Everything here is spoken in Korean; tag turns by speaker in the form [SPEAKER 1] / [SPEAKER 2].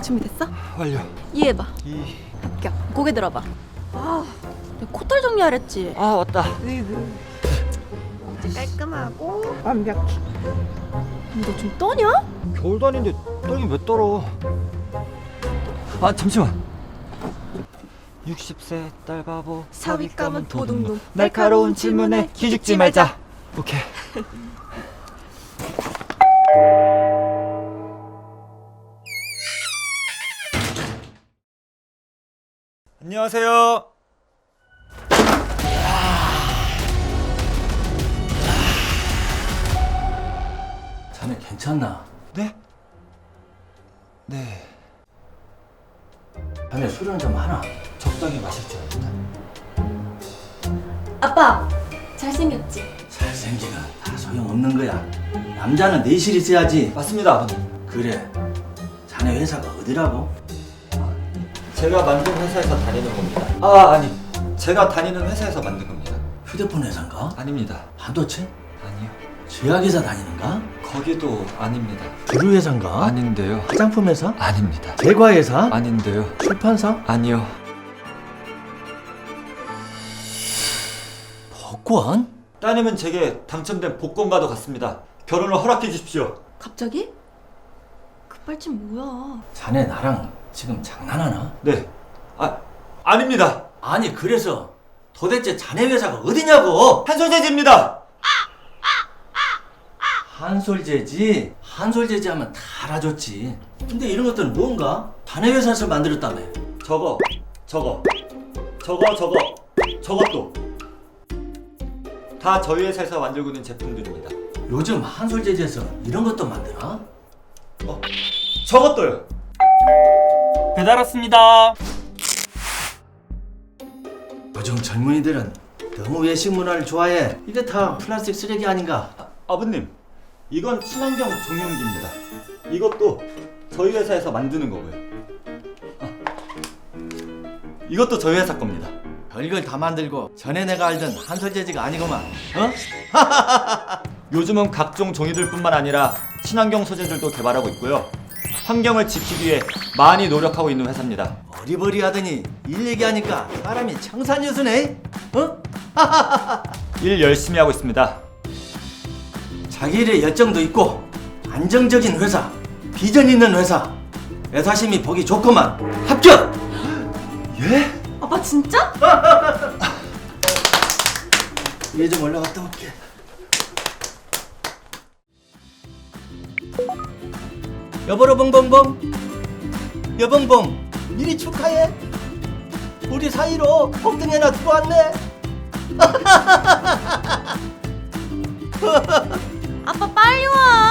[SPEAKER 1] 준비됐어?
[SPEAKER 2] 완료.
[SPEAKER 1] 이해해봐.
[SPEAKER 2] 이.
[SPEAKER 1] 합격. 고개 들어봐. 아, 내가 코털 정리하랬지.
[SPEAKER 2] 아 왔다.
[SPEAKER 1] 이제 깔끔하고 완벽해. 너 좀 떠냐?
[SPEAKER 2] 겨울도 아닌데 떨긴 왜 떨어? 아 잠시만. 60세 딸바보
[SPEAKER 1] 사윗감은 도둑놈.
[SPEAKER 2] 날카로운 질문에 기죽지 말자. 오케이. 안녕하세요.
[SPEAKER 3] 자네 괜찮나?
[SPEAKER 2] 네? 네.
[SPEAKER 3] 자네 술은 좀 하나?
[SPEAKER 2] 적당히 마실 줄 알았다.
[SPEAKER 1] 아빠, 잘생겼지?
[SPEAKER 3] 잘생기는 다 소용없는 거야. 남자는 내실 있어야지.
[SPEAKER 2] 맞습니다, 아버님.
[SPEAKER 3] 그래. 자네 회사가 어디라고?
[SPEAKER 2] 제가 만든 회사에서 다니는 겁니다. 아, 아니. 제가 다니는 회사에서 만든 겁니다.
[SPEAKER 3] 휴대폰 회사인가?
[SPEAKER 2] 아닙니다.
[SPEAKER 3] 반도체?
[SPEAKER 2] 아니요.
[SPEAKER 3] 제약회사 다니는가?
[SPEAKER 2] 거기도 아닙니다.
[SPEAKER 3] 주류 회사인가?
[SPEAKER 2] 아닌데요.
[SPEAKER 3] 화장품 회사?
[SPEAKER 2] 아닙니다.
[SPEAKER 3] 제과 회사?
[SPEAKER 2] 아닌데요.
[SPEAKER 3] 출판사?
[SPEAKER 2] 아니요.
[SPEAKER 3] 복권?
[SPEAKER 2] 따님은 제게 당첨된 복권과도 같습니다. 결혼을 허락해 주십시오.
[SPEAKER 1] 갑자기? 급발진 뭐야?
[SPEAKER 3] 자네 나랑 지금 장난하나?
[SPEAKER 2] 네. 아닙니다.
[SPEAKER 3] 아니 그래서 도대체 자네 회사가 어디냐고?
[SPEAKER 2] 한솔재지입니다.
[SPEAKER 3] 한솔재지? 한솔재지 하면 다 알아줬지. 근데 이런 것들은 뭔가? 자네 회사에서 만들었다며.
[SPEAKER 2] 저것도 다 저희 회사에서 만들고 있는 제품들입니다.
[SPEAKER 3] 요즘 한솔재지에서 이런 것도 만드나?
[SPEAKER 2] 저것도요.
[SPEAKER 4] 배달 왔습니다.
[SPEAKER 3] 요즘 젊은이들은 너무 외식 문화를 좋아해. 이게 다 플라스틱 쓰레기 아닌가?
[SPEAKER 2] 아버님, 이건 친환경 종용기입니다. 이것도 저희 회사에서 만드는 거고요. 이것도 저희 회사 겁니다.
[SPEAKER 3] 별걸 다 만들고 전에 내가 알던 한솔재지가 아니구만. 어?
[SPEAKER 2] 요즘은 각종 종이들뿐만 아니라 친환경 소재들도 개발하고 있고요. 환경을 지키기 위해 많이 노력하고 있는 회사입니다.
[SPEAKER 3] 어리버리하더니 일 얘기하니까 사람이 청산유수네. 어?
[SPEAKER 2] 일 열심히 하고 있습니다.
[SPEAKER 3] 자기 일에 열정도 있고 안정적인 회사, 비전 있는 회사. 애사심이 보기 좋구만. 합격!
[SPEAKER 2] 예?
[SPEAKER 1] 아빠 진짜?
[SPEAKER 3] 위에 좀 올라갔다 올게. 여보로 봉봉봉. 여봉봉 미리 축하해. 우리 사이로 폭등이 하나 들어왔네.
[SPEAKER 1] 아빠 빨리 와.